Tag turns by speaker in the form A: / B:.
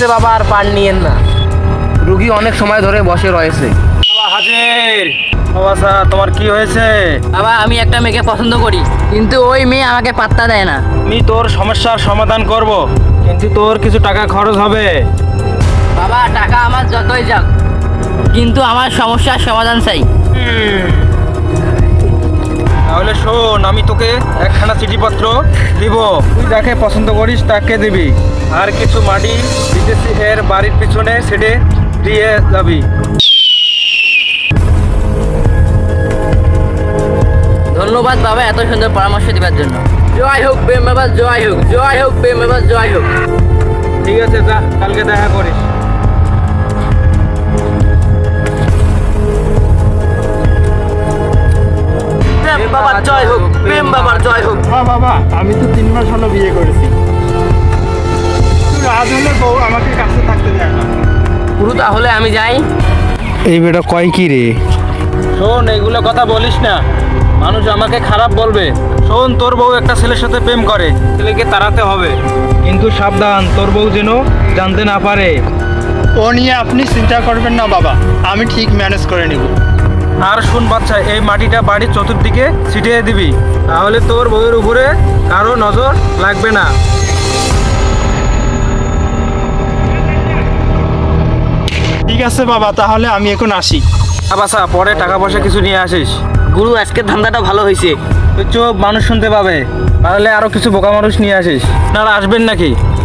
A: হয়েছে বাবা, আর পার নিয়েন না, রুগী অনেক সময় ধরে বসে রয়েছে।
B: বাবা হাজির। বাবা স্যার, তোমার কি হয়েছে?
C: বাবা আমি একটা মেয়েকে পছন্দ করি, কিন্তু ওই মেয়ে আমাকে পাত্তা দেয় না।
B: আমি তোর সমস্যার সমাধান করব, কিন্তু তোর কিছু টাকা খরচ হবে।
C: বাবা টাকা আমার যতই যাক, কিন্তু আমার সমস্যার সমাধান চাই।
B: তাহলে শোন, আমি তোকে একখানা চিঠিপত্র দিব, তুই যাকে পছন্দ করিস তাকে দিবি, আর কিছু মাটি বিদেশি এর বাড়ির পিছনে সেটে দিয়ে যাবি।
C: ধন্যবাদ বাবা এত সুন্দর পরামর্শ দেওয়ার জন্য। জয় হোক প্রেম বাবা, জয় হোক, জয় হোক প্রেম বাবা, জয় হোক।
B: ঠিক আছে, যা, কালকে দেখা করিস।
C: প্রেম বাবার জয় হোক, প্রেম বাবার জয় হোক।
D: হ্যাঁ বাবা, আমি তো 3 মাস হলো বিয়ে করেছি, আজ হলে বউ আমাকে কাছে থাকতে দেয় না।
A: গুরু তাহলে আমি যাই।
D: এই বেটা কয় কি রে?
B: শোন, এইগুলো কথা বলিস না, মানুষ আমাকে খারাপ বলবে। শোন, তোর বউ একটা ছেলের সাথে প্রেম করে, ছেলেকে তাড়াতে হবে, কিন্তু সাবধান, তোর বউ যেন জানতে না পারে।
D: ও নিয়ে আপনি চিন্তা করবেন না বাবা, আমি ঠিক ম্যানেজ করে নেব।
B: আর শোন বাচ্চা, এই মাটিটা বাড়ির চতুর্দিকে ছিটিয়ে দিবি, তাহলে তোর বউয়ের উপরে কারো নজর লাগবে না।
D: ঠিক আছে বাবা, তাহলে আমি এখন আসি।
B: বাসা, পরে টাকা পয়সা কিছু নিয়ে আসিস।
C: গুরু আজকের ধান্দাটা ভালো হয়েছে।
B: তুই চোখ মানুষ শুনতে পাবে, তাহলে আরো কিছু বোকা মানুষ নিয়ে আসিস। আপনারা আসবেন নাকি?